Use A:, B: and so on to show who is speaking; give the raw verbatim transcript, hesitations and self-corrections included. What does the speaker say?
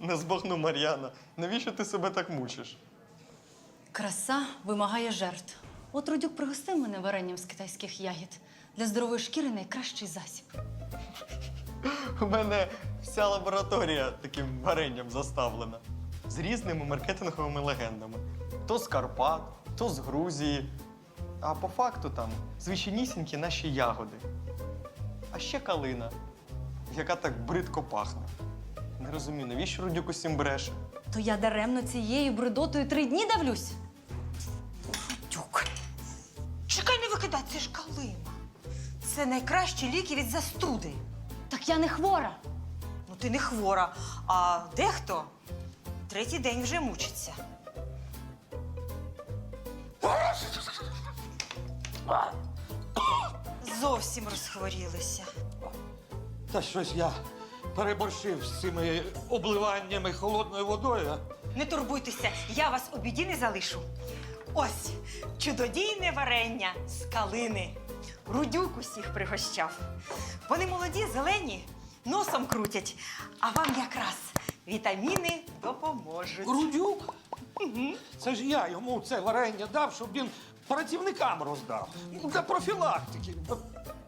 A: Не збагну, Мар'яна. Навіщо ти себе так мучиш?
B: Краса вимагає жертв. От Рудюк пригостив мене варенням з китайських ягід. Для здорової шкіри найкращий засіб.
A: У мене вся лабораторія таким варенням заставлена. З різними маркетинговими легендами. То з Карпат, то з Грузії. А по факту там звичайнісінькі наші ягоди. А ще калина, яка так бридко пахне. Не розумію, навіщо Рудюк усім бреше?
B: То я даремно цією бредотою три дні давлюсь.
C: Тюк. Чекай, не викидай, це ж калина. Це найкращі ліки від застуди.
B: Так я не хвора.
C: Ну, ти не хвора, а дехто третій день вже мучиться. Зовсім розхворілися.
D: Та щось я переборщив з цими обливаннями холодною водою.
C: Не турбуйтеся, я вас у біді не залишу. Ось чудодійне варення з калини. Рудюк усіх пригощав. Вони молоді, зелені, носом крутять, а вам якраз вітаміни допоможуть.
D: Грудюк? Це ж я йому це варення дав, щоб він працівникам роздав. Ну, для профілактики.